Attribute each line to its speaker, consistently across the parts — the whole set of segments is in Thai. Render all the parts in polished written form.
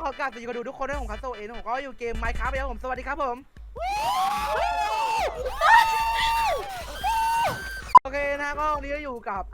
Speaker 1: ขอกราบสวัสดีคนดูทุกคนด้วยผมคัสโซเองผมก็อยู่เกม Minecraft แล้วผมสวัสดีครับผมโอเคนะก็วันนี้ก็อยู่กับ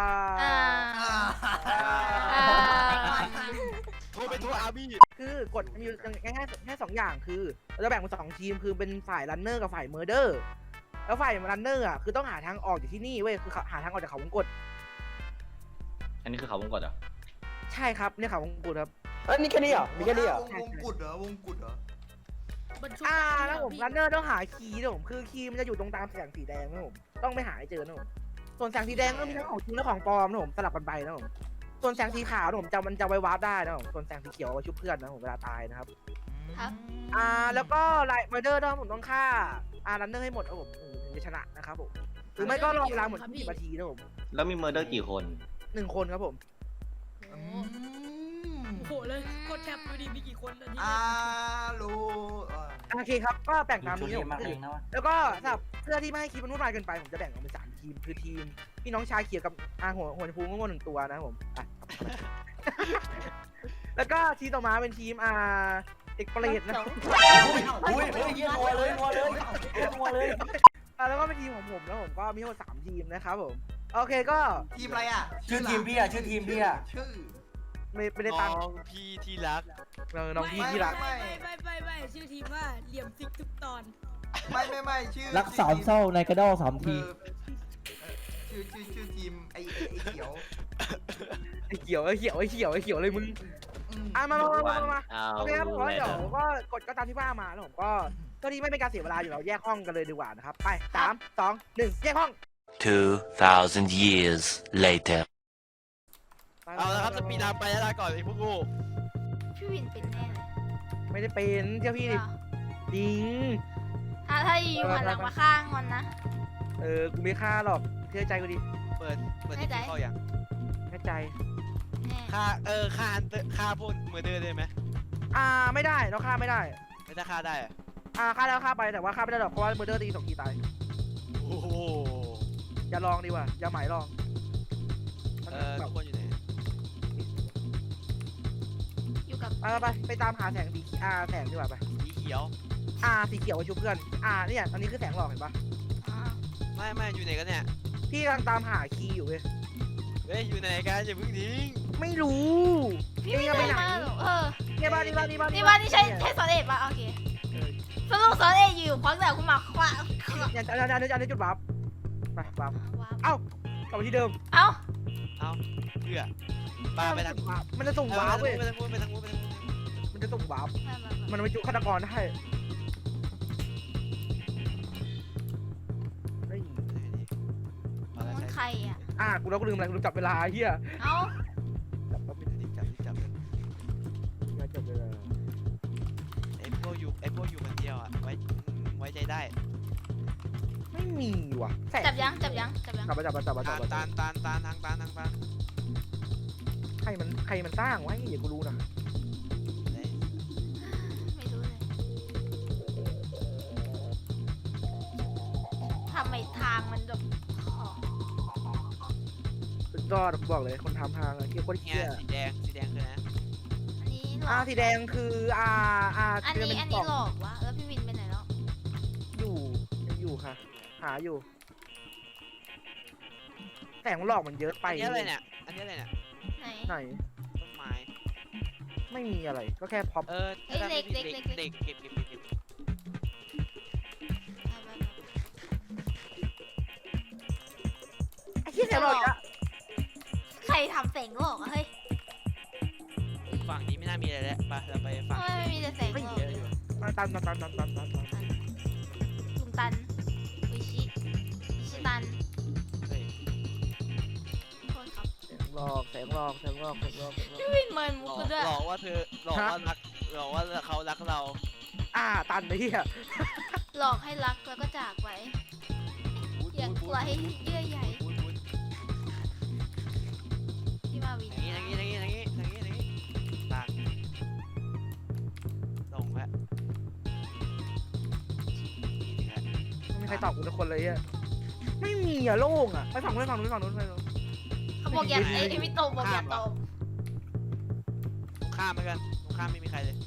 Speaker 2: โทรไปโทรอาร์บี้
Speaker 1: คือกฎมีอยู่ง่ายๆแค่2อย่างคือเราจะแบ่งเป็น2ทีมคือเป็นฝ่ายรันเนอร์กับฝ่ายเมอร์เดอร์แล้วฝ่ายรันเนอร์อ่ะคือต้องหาทางออกจากที่นี่เว้ยคือหาทางออกจากเขาวงกต
Speaker 3: อันนี้คือเขาวงกตเหรอ
Speaker 1: ใช่ครับเนี่ยเขาวงกตครับ
Speaker 4: นี่แค่นี้เหรอมีแค่นี้เหรอ
Speaker 2: วงกุดเหรอวงกุดเหรอ
Speaker 1: แล้วผมรันเนอร์ต้องหาคีย์นะผมคือคีย์มันจะอยู่ตรงตามแสงสีแดงนะผมต้องไปหาให้เจอนะผมส่วนแสงสีแดงก็มีทั้งของจริงและของปลอมนะผมสลับกันไปนะผมส่วนแสงสีขาวนะผมมันจะไว้วาร์ปได้นะผมส่วนแสงสีเขียวไว้ชุบเพื่อนนะผมเวลาตายนะครับแล้วก็ไลท์เมอร์เดอร์ผมต้องฆ่ารันเนอร์ให้หมดนะผมถึงจะชนะนะครับผมหรือไม่ก็รอเวลาหมด20 นาทีนะผม
Speaker 3: แล้วมีเมอร์เดอร์กี่คน
Speaker 1: 1 คนครับผม
Speaker 5: โหเลยกดแคปดูดิมีกี่คนอันนี้
Speaker 2: รู้
Speaker 1: โอเคครับก็แบ่งตามนี้ผมแล้วก็สำหรับเพื่อที่ไม่ให้คลิปมันวุ่นวายเกินไปผมจะแบ่งออกเป็น3 ทีมคือทีมพี่น้องชาเขียวกับหัวชมพูงง1 ตัวนะผมแล้วก็ทีมต่อมาเป็นทีมเอกเปรตนะ
Speaker 4: งัวเลย
Speaker 1: แล้วก็เป็นทีมของผมแล้วผมก็มีทั้งหมด3 ทีมนะครับผมโอเคก็
Speaker 2: ทีมอะไรอ่ะ
Speaker 4: ชื่อทีมพี่ชื่อ
Speaker 2: ชื่อ
Speaker 1: ไม่ได้ตังค์
Speaker 2: น้องพี่ที่รัก
Speaker 1: น้องพี่ที่รัก
Speaker 5: ไม่ชื่อทีมว่าเหลี่ยมซิกทุกตอน
Speaker 2: ไม่ชื่อ
Speaker 4: รักสามเศร้าในกระดอ3 ที
Speaker 2: ชื่อทีมไอ้เขียว
Speaker 1: เลยมึงมาโอเคครับผมเดี๋ยวก็กดก็ตามที่ว่ามาแล้วผมก็ตอนนี้ไม่เป็นการเสียเวลาอยู่เราแยกห้องกันเลยดีกว่านะครับไป3 2 1แยกห้อง
Speaker 6: 2,000 years later
Speaker 2: เอาละครับสปีดตามไปแล้วก่อนไอ้พวกกู
Speaker 5: พี่วินเป็นแน่เลย
Speaker 1: ไม่ได้เป็นเจ้าพี่ดิจริง
Speaker 5: ถ้าอยู่หันหลังมาข้างมันนะ
Speaker 1: กูไม่ฆ่าหรอกเชื่อใจกูดิ
Speaker 2: เปิดที่เข้าอย่าง
Speaker 1: แน่ใจ
Speaker 2: ฆ่าพวกเมอร์เดอร์ได้ไหม
Speaker 1: ไม่ได้เราฆ่าไม่ได้
Speaker 2: ไม่ได้ฆ่าได้
Speaker 1: ฆ่าแล้วฆ่าไปแต่ว่าฆ่าไม่ได้หรอกเพราะว่าเมอร์เดอร์ตี2 ทีตาย
Speaker 2: โอ้โห
Speaker 1: อย่าลองดีกว่าอย่าหมายลอง
Speaker 2: ทุกคนอยู่ไหน
Speaker 5: อยู่กับ
Speaker 1: ไปตามหาแสงสีแสงดีกว่าไป
Speaker 2: สีเขียว
Speaker 1: สีเขียวไว้ชุบเพื่อนเนี่ยอันนี้คือแสงหลอกเห็นปะ
Speaker 2: ไม่อยู่ไหนกันเนี่ย
Speaker 1: พี่กำลังตามหาคีย์อยู่เว้ย
Speaker 2: อยู่ไหนกันอย่าเพิ่งทิ้ง
Speaker 1: ไม่รู้
Speaker 5: พี่ไม่ไปไหน
Speaker 1: นี่บ้าน
Speaker 5: นี่ใช่สอนเอกป่ะโอเคสรุปสอนเอกอยู่ควักแต่คุณหมอคว้า
Speaker 1: เนี่ยอันนี้จุดวาร์ปไปวาร์ปกลับมาที่เดิม
Speaker 2: เพื่อไปทาง
Speaker 1: มันจะส่งวาร์ปเว้ย
Speaker 2: ไปทางนู้น
Speaker 1: มันจะส่งวาร์ปมันไปจุฆาตกรได้
Speaker 5: ใคร
Speaker 1: กูแล้วก็ลืมอะไรกูลืมจับเวลาเฮีย
Speaker 2: จับเวลาไอ้พวกอยู่คนเดียวไว้ใจได้
Speaker 1: ไม่มีว่ะ
Speaker 5: จับยังกลับ
Speaker 1: มาจับ
Speaker 2: ตานทาง
Speaker 1: ใครมันสร้างไว้อย่ากูรู้นะ
Speaker 5: ไม่รู้เลยทำไมทางมันแบบ
Speaker 1: สุดยอดบอกเลยคนทำทางเกี่ยวกับเกี่ย
Speaker 2: สีแดงคือนะ
Speaker 1: สีแดงคือ
Speaker 5: อันนี้หลอกวะแล้วพี่วินไปไหนแล้ว
Speaker 1: อยู่ค่ะหาอยู่แสงหลอกมันเยอะไป
Speaker 2: อันนี้อะไรเนี่ย
Speaker 5: ไหน
Speaker 2: ต้นไม้
Speaker 1: ไม่มีอะไรก็แค่พ็อป
Speaker 5: เด็กเก็บ
Speaker 1: ไอ้ที่แสงหลอกอะ
Speaker 5: ใครทำแสงหลอกอะเฮ้ย
Speaker 2: ฝั่งนี้ไม่น่ามีอะไรแล้วไปเราไปฝั่ง
Speaker 5: ไม่มีแต่แสงหลอก
Speaker 1: ตัน
Speaker 5: ลุงตันวิชิตัน
Speaker 1: แสงหลอก
Speaker 5: พี่วินเมินมุกด้วย
Speaker 2: หลอกว่าเขารักเรา
Speaker 1: ตันไอ้เหี้ย
Speaker 5: หลอกให้รักแล้วก็จากไปอย่างไรเยื่อใหญ่พี่มาวิน
Speaker 2: อย่างนี้ต่างตรงแล้ว
Speaker 1: ไม่มีใครตอบกูทุกคนเลยอ่ะไม่มีโล่งไปฝั่งนู้น
Speaker 5: เขาบอกอย่าไอ้พี่โตบอกอย่าโต
Speaker 2: ข้ามไปกันข้ามไม่มีใครเลย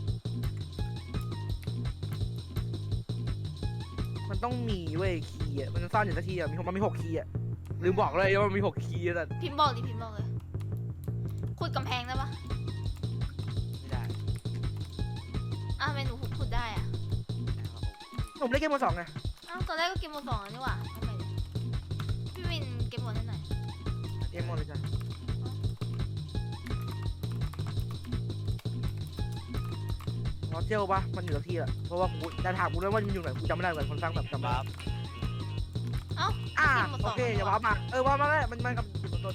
Speaker 1: มันต้องมีเว้ยคีย์อะมันซ่อนอยู่สักทีอะมันมี6 คีย์อะลืมบอกเลยว่ามันมี6 คีย์แต่
Speaker 5: พิมพ์บอกดิพิมพ์บอกเลยขุดกำแพงได้ปะ
Speaker 2: ไม่ได้
Speaker 5: อ้าวทำไมหนูขุดได้อะ
Speaker 2: นะครับผม
Speaker 1: ผมเล่นเกมมือ2ไง
Speaker 5: อ้าวตอนแรกก็เกมโหมด 2นี่หว่าทำไมเนี่ยพี่วินเกมโหมดให้หน่อย
Speaker 1: เกมหมดเลยจ้ะรอเจลปะมันอยู่สักทีอะเพราะว่ากูจะถามกูด้วยว่ามันอยู่ไหนกูจำไม่ได้เหมือนคนสร้างแบบจำไม่
Speaker 2: บั
Speaker 1: ได้
Speaker 2: ฟ
Speaker 1: อ่า
Speaker 5: เกมโหมด
Speaker 1: โอ
Speaker 5: 2
Speaker 1: เคอย่าว้ามาว้ามาแล้วมันกับจุดต้น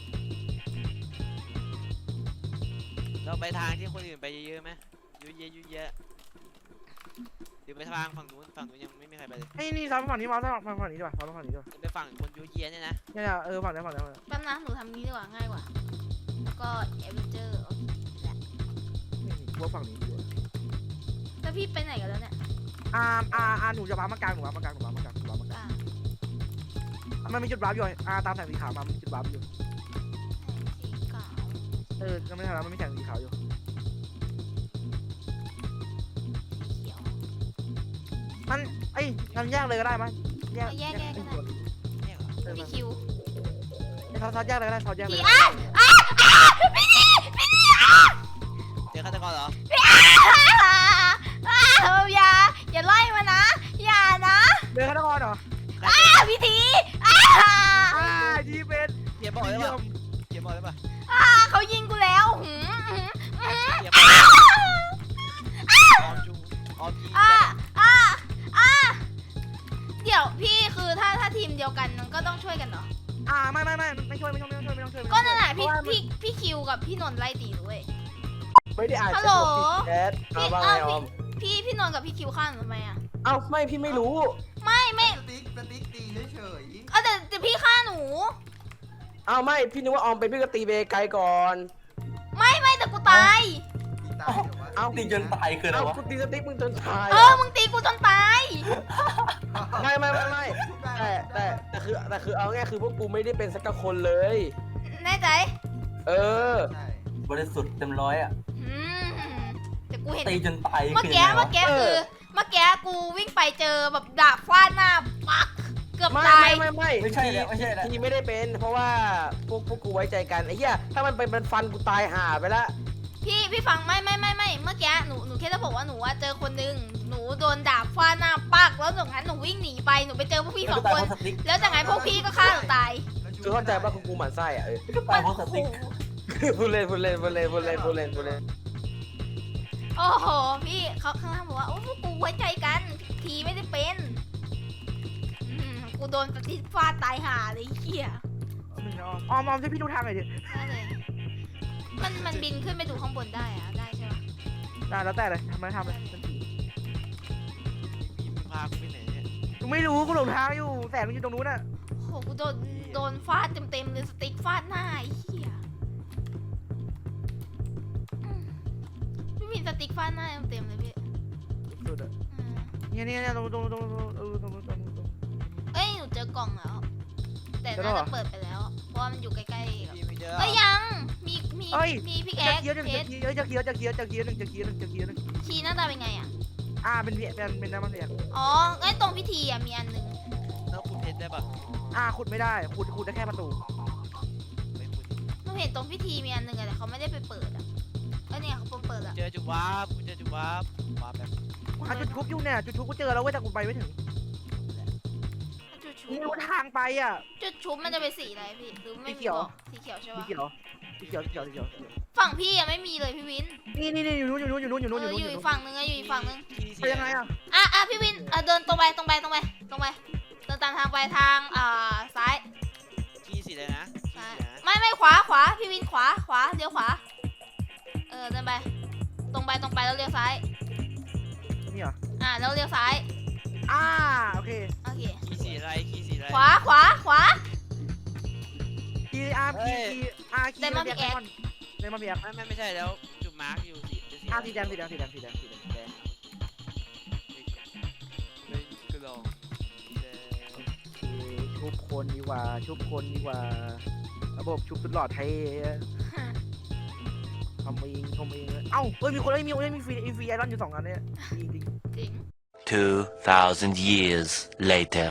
Speaker 2: เราไปทางที่คนอื่นไปเยอะๆไหมเยอะๆเยอะหรือไปทางฝั่งนู้นยังไม่มีใครไปเลย
Speaker 1: ไอ้นี่ซ้อนฝั่งนี้มาซ้อนฝั่งนี้ดีกว่าซ้อนฝั่งนี้ดีกว่า
Speaker 2: ไปฝั่งคนเยอะๆเนี่ยนะ
Speaker 1: เนี่ยฝั่งนี้
Speaker 5: แป๊บนะหนูทำนี้ดีกว่าง่ายกว่าแล้วก็เอเวนเจอร์โอเคแหละ
Speaker 1: นี่กูว่าฝั่งนี้ดีกว่า
Speaker 5: แล้วพี่ไปไหนกันแล้วเนี่ย
Speaker 1: หนูจะว้ามากลางหนูว้ามากลาง
Speaker 5: อ่า
Speaker 1: มันมีจุดว้าอยู่ตามแสงสีขาวมามีจุดว้าอยู่
Speaker 5: สีขาว
Speaker 1: ก็ไม่ทันแล้วมันมีแสงสีขาวอยู่
Speaker 5: สีเขียว
Speaker 1: มันงั้นแยกเลยก็ได้มั้ย
Speaker 5: แยกก็ได้
Speaker 2: เนี่ยเหรอ
Speaker 5: พี่คิว
Speaker 1: ซอสแยกเลยก็ได้ซอสแยกเลย
Speaker 2: เจอฆาตกรเหรอ
Speaker 5: อย่าไล่มานะ อย่านะ
Speaker 1: เดินฆาตกรเหรอ
Speaker 5: พิธี
Speaker 1: ยีเป็น
Speaker 2: เขียนบอกได้ป่ะเขียนบอกได้ป่ะ
Speaker 5: เขายิงกูแล้วหืม
Speaker 2: เขียนบอกออมจูออมจี
Speaker 5: เดี๋ยวพี่คือถ้าทีมเดียวกันมันก็ต้องช่วยกันเนาะ
Speaker 1: ไม่ช่วย
Speaker 5: ก็นั่นแหละพี่คิวกับพี่นนท์ไล่ตีด้วย
Speaker 4: ไม่ได้อ่าน
Speaker 5: ฮัลโหล
Speaker 4: แชทว่าไงออม
Speaker 5: พี่นนท์กับพี่คิวข้างหนูทำไมอ่ะ
Speaker 4: เอ้าไม่พี่ไม่รู้
Speaker 5: ไม่
Speaker 7: สติ๊กตีเฉย
Speaker 5: แต่พี่ฆ่าหนู
Speaker 4: เอ้าไม่พี่นึกว่าออมเป็นพี่ก็ตีเบไกลก่อน
Speaker 5: ไม่แต่กูตาย
Speaker 7: ๆตีตายเหรอวะ
Speaker 4: เอ้าตีจนตายคืออะไรวะตีสติ๊กมึงจนตาย
Speaker 5: มึงตีกูจนตาย
Speaker 4: ไม่แต่คือเอาง่ายคือพวกกูไม่ได้เป็นสักคนเลย
Speaker 5: แน่ใจ
Speaker 4: เออ
Speaker 7: ใช่
Speaker 4: บริสุทธิ์เต็มร้อยอ่ะ
Speaker 5: อืมแต่กูเห็น
Speaker 4: ตีจนตาย
Speaker 5: เมื่อกี้กูวิ่งไปเจอแบบดาบฟาดหน้าปักเกือบตาย
Speaker 4: ไม่ใช่แล้วทีไม่ได้เป็นเพราะว่าพวกกูไว้ใจกันไอ้เหี้ยถ้ามันเป็นมันฟันกูตายห่าไปละ
Speaker 5: พี่ฟังไม่เมื่อกี้หนูแค่จะบอกว่าหนูว่าเจอคนนึงหนูโดนดาบฟาดหน้าปักแล้วหนูงั้นหนูวิ่งหนีไปหนูไปเจอพวกพี่2 คนแล้วจากนั้นพวกพี่ก็ฆ่าหนูตาย
Speaker 4: คือเข้าใจว่ากูหมั่นไส้อ่ะ
Speaker 5: มันโอ้โห
Speaker 4: พูดเล่น
Speaker 5: โอ้โหพี่เขาข้างล่างบอกว่าโอ้พวกกูไว้ใจกันทีไม่ได้เป็นกูโดนปฏิฟาดตายห่าเลยเหี้ย
Speaker 1: ออมช่วยพี่ดูทางหน่อยดิ
Speaker 5: ได้เลยมันบินขึ้นไปดูข้างบนได้อะได้ใช่ปะ
Speaker 1: ได้แล้วแต่เลยทำเลยมันผี
Speaker 2: มีพากูไปไหนเนี่ย
Speaker 1: กูไม่รู้กูหลงทางอยู่แสงมันอยู่ตรงนู้นน่ะ
Speaker 5: โหกูโดนฟาดเต็มเลยสติ๊กฟาดหน้าไอ้เหี้ยพี่มีสติ๊กฟาดหน้าเต็มเลยพี่
Speaker 1: สุดอ่ะเนี่ยตรง
Speaker 5: เอ้ยหนูเจอกล่องแล้ว แต่น่าจะเปิดไปแล้วเพราะว่ามันอยู่ใกล้ๆกับ
Speaker 2: พี่ไม่เจอ
Speaker 5: เอ้ยยังมีพิกแอ
Speaker 1: จะ
Speaker 5: ค
Speaker 1: เคี้ยวจะเคี้ยวหนึ่ง
Speaker 5: คีย์หน้าตาเป็นไงอ่ะ
Speaker 1: เป็นน้ำมันเสียง
Speaker 5: อ๋อไอ้ตรงพิธีอ่ะมีอันหนึง
Speaker 2: แล้วคุณเพชรได้ป่ะ
Speaker 1: ขุดไม่ได้ขุดได้แค่ประตู
Speaker 2: ไม่คุณ
Speaker 5: หนูเห็นตรงพิธีมีอันหนึงอะแต่เขาไม่ได้ไปเปิดอ่ะเอ้ยเนี่ยเขาเปิดอ่ะ
Speaker 2: เจอจุดวาร์ปกูเจอจุดวาร์ปวาร์ปแบบ
Speaker 1: จุดทุบอยู่เนี่ยจุดทุบกูเจอแล้วเว้ยแต่กูไปไม่ถึง
Speaker 5: จุดชุ
Speaker 1: นี่
Speaker 5: บ
Speaker 1: ทางไปอ่ะ
Speaker 5: จุดชุบมันจะเป็นสีอะไรพี่หรือไม่
Speaker 1: สี
Speaker 5: มี
Speaker 1: เขียว
Speaker 5: บอกสีเขียวใช่
Speaker 1: สี
Speaker 5: ปะ
Speaker 1: เขียว
Speaker 5: ฝั่งพี่อะไม่มีเลยพี่วิน
Speaker 1: นี่อยู่นู้น
Speaker 5: อยู่อีกฝั่งนึงอยู่อีกฝั่งนึง
Speaker 2: ที่
Speaker 1: ไปยังไงอ่ะ
Speaker 5: พี่วินเดินตรงไปเดินตามทางไปทางซ้าย
Speaker 2: ที่สีเลยนะ
Speaker 5: ซ้ายไม่ขวาพี่วินขวาเลี้ยวขวาเดินไปตรงไปแล้วเลี้ยวซ้าย
Speaker 1: นี่เหรอ
Speaker 5: แล้วเลี้ยวซ้าย
Speaker 1: โอเค
Speaker 2: ที่สีอะไรที่สีอะไร
Speaker 5: ขวา
Speaker 1: คีได้มาพี่แอ๊ก
Speaker 2: ไม่ใช่แล้วจุดมาร์กอยู่สีสี
Speaker 1: สีแดง
Speaker 2: แดงเป็นกระดองแดง
Speaker 1: ชุบคนดีกว่าระบบชุบตลอดไทยทำเองเลยเอ้าเอ้ยมีคนเอ้ยมีฟรีไอรอนอยู่2 อันเนี่ยจริง
Speaker 5: จริง
Speaker 6: 2,000 years later.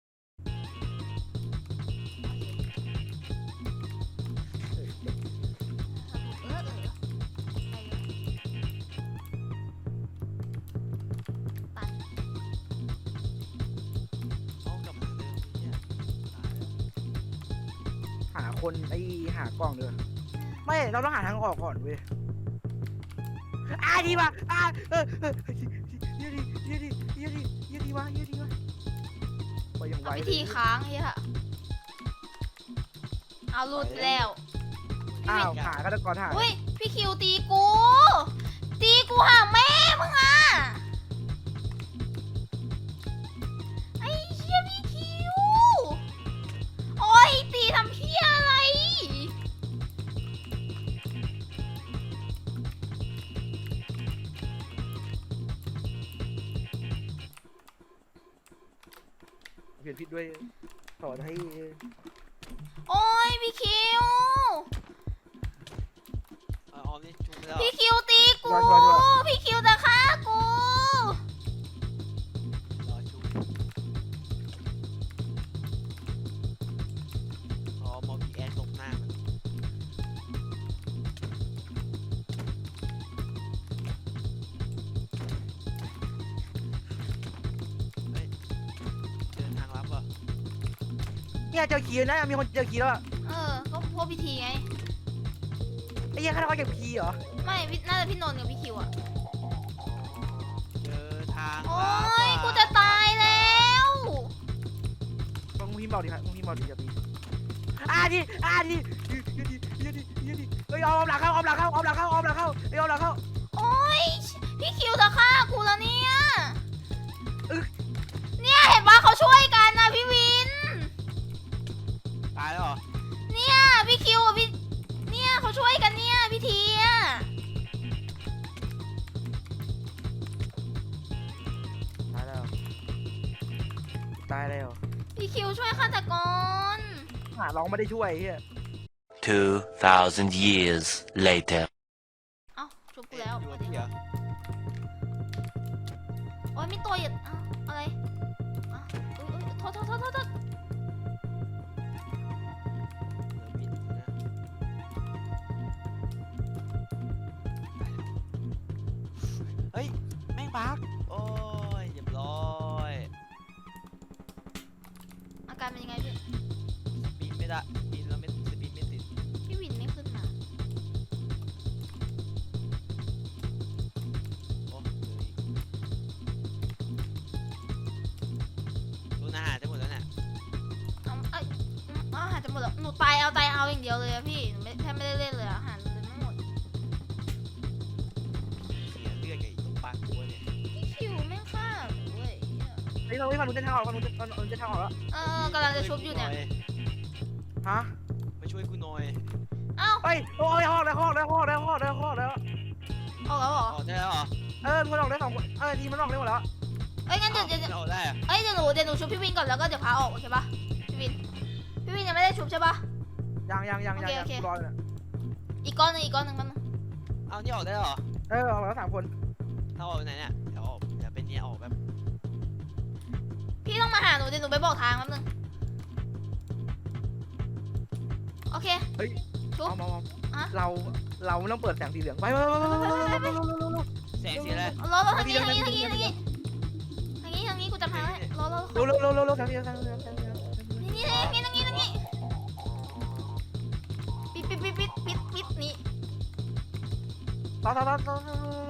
Speaker 2: เอากลับมาเดิมเนี่ยตายแล้ว
Speaker 1: หาคนหากล่องเดือนไม่เราต้องหาทางออกก่อนเว้ยดีว่ะเยอะดีว่ะไปยังไว
Speaker 5: เอาพิธีค้างเฮียเอาหลุดแล้ว
Speaker 1: อ้าวหาฆาตกรหา
Speaker 5: อุ้ยพี่คิวตีกูหาแม่มึงอ่ะไอ้เหี้ยพี่คิวโอ้ยตีทำเหี้ยอะไร
Speaker 1: เปลี่ยนผิดด้วยสอนให้
Speaker 5: โอ้ยพี่คิว
Speaker 2: เอาออมนี่จุ่มไปแล้ว
Speaker 5: พี่คิวตีกู พี่คิวจะฆ่ากู
Speaker 2: รอจุ่มอ๋อมอพีแอนตกหน้ามันเฮ้ยเดินทางลับเหรอ
Speaker 1: เนี่ยเจอคีย์นะมีคนเจอคีย์แล้ว
Speaker 5: ก็พวกพิธีไง
Speaker 1: ไอ้เหี้ยฆาตกรเก็บคีย์เหรอ
Speaker 5: ไม่น่าจะพี่นนท์กับพี่คิวอะ
Speaker 2: เจอทาง
Speaker 5: โอ้
Speaker 2: ลับ
Speaker 5: ย
Speaker 2: อะ
Speaker 5: กูจะตายแล้ว
Speaker 1: มึงพิมพ์บอกดิครับมึงพิมพ์บอกดิจะตีดีเฮ้ยเอาหลังเข้าเฮ้ยเอาหลังเข้า
Speaker 5: โอ้ยพี่คิวจะฆ่ากูแล้วเนี่ยเนี่ยเห็นว่าเขาช่วยกันนะพี่วิน
Speaker 2: ตายแล้วเหรอ
Speaker 5: เนี่ยพี่คิวกับพี่เนี่ยเขาช่วยกันเนี่ยพี่ทีอะ
Speaker 1: ตายแล้ว
Speaker 5: พี่คิวช่วยฆาตกร
Speaker 1: หาร้องไม่ได้ช่วยไอ้เหี้ย
Speaker 6: 2,000 years later.
Speaker 5: เอ้าชุบกูแล้ว
Speaker 2: อยู่กับพี่เหรอ
Speaker 5: โอ้ยมีตัวอย่าอะไรโทษ
Speaker 2: เหลือบินนะเฮ้ย แม่งบักโอ้ยเรียบร้อย
Speaker 5: อาการเป็นยังไงพี่
Speaker 2: บินไม่ได้บินแล้วไม่บินไม่ติด
Speaker 5: พี่วินไม่ขึ้นมา
Speaker 2: โอ้เหลืออีกดูอาหารจะหมดแล้วเนี่ย
Speaker 5: อาหารจะหมดแล้วหนูตายเอาอย่างเดียวเลยอะพี่หนูแทบไม่ได้เล่นเลยอาหารเลยไม่หมด
Speaker 2: เสียเลือดกับอีกตรงปากกูเนี่ย
Speaker 5: พี่คิวไม่งฆ่าหนูเว้ย
Speaker 1: เฮ้ยเราไม่ฟังรู้เส้นทางออกฟังรู้เส้นทางออกแล้ว
Speaker 5: กำลังจะชุบอยู่เนี่ย
Speaker 1: ฮะ
Speaker 2: มาช่วยกูหน่อย
Speaker 5: เอ้า
Speaker 1: เฮ้ยโอ้ยออกแล้ว
Speaker 5: ออกแล้วเหรอ
Speaker 2: ออกได้แล้วเหรอ
Speaker 1: มันออกได้2 คนทีมันออกได้หมดแล้ว
Speaker 5: เอ้ยงั้นเดี๋ยว
Speaker 2: ออกได้อะ
Speaker 5: เดี๋ยวหนูชุบพี่วินก่อนแล้วก็เดี๋ยวพาออกโอเคปะพี่วินยังไม่ได้ชุบใช่ปะ
Speaker 1: ยังรอเลย
Speaker 5: อีกก้อนหนึ่งมันง
Speaker 2: เอานี่ออกได้แล้วเหรอ
Speaker 1: ออกแล้ว3 คน
Speaker 2: ถ้าออกไปไหนเนี่ยเดี๋ยวออกเดี๋ยวเป็นเนี่ยออกแบบ
Speaker 5: พี่ต้องมาหาหนูเดี๋ยวหนูไปบอกทางแป๊บนึงโอเค ชุบ
Speaker 1: เราไม่ต้องเปิดแสงสีเหลืองไป
Speaker 2: แสงสีอะไร
Speaker 5: รอทางนี้กูจำทางได้รอ
Speaker 1: แสงสีเหลือง
Speaker 5: นี่ปิดนี่
Speaker 1: ต่อ
Speaker 5: พี่ซอส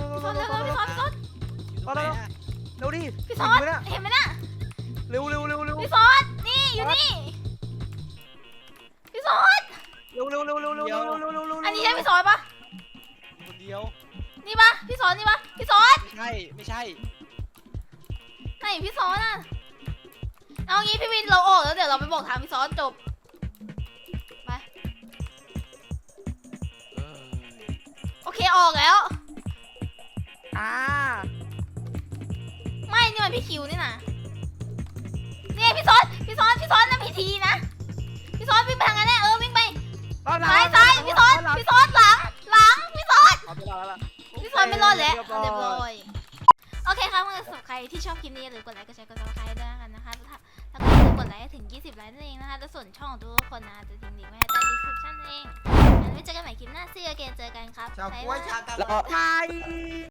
Speaker 2: อยู่ตรงไหนอะ
Speaker 1: เร็วดิ
Speaker 5: พี่ซอสเห็นไหมน่ะ
Speaker 1: เร็ว
Speaker 5: พี่ซอสนี่อยู่นี่พี่ซอส
Speaker 1: เร็ว
Speaker 5: อันนี้ใช่พี่ซอสปะ
Speaker 2: อยู่คนเดียว
Speaker 5: นี่ปะพี่ซอสนี่ปะพี่ซอส
Speaker 2: ไม่ใช่
Speaker 5: ไหนพี่ซอสอ่ะเอางี้พี่วินเราออกแล้วเดี๋ยวเราไปบอกทางพี่ซอสจบไป
Speaker 2: เออ
Speaker 5: โอเคออกแล้ว ไม่นี่มันพี่คิวนี่นะนี่ไงพี่ซอสนั่นพีทีนะพี่ซอสวิ่งไปทางนั้นแน่วิ่งไปซ้ายพี่ซอสหลังพี่ซอสพี่ฟอนไม่รอดแล้วเรียบร้อยโอเคครับสำหรับใครที่ชอบคลิปนี้อย่าลืมกดไลค์กดแชร์กดซับสไครต์ด้วยกันนะคะแล้วก็อย่าลืมกดไลค์ให้ถึง20ไลค์นั่นเองนะคะแล้วส่วนช่องของทุกคนนะจะทิ้งลิงก์ไว้ให้ใต้ description เองงั้นไว้เจอกันใหม่คลิปหน้าSee you again เจอกันครับ
Speaker 7: ชาว
Speaker 5: บ๊าย
Speaker 7: กล้วย
Speaker 5: บาย
Speaker 7: ชากา
Speaker 4: แล้วก็
Speaker 1: ไทย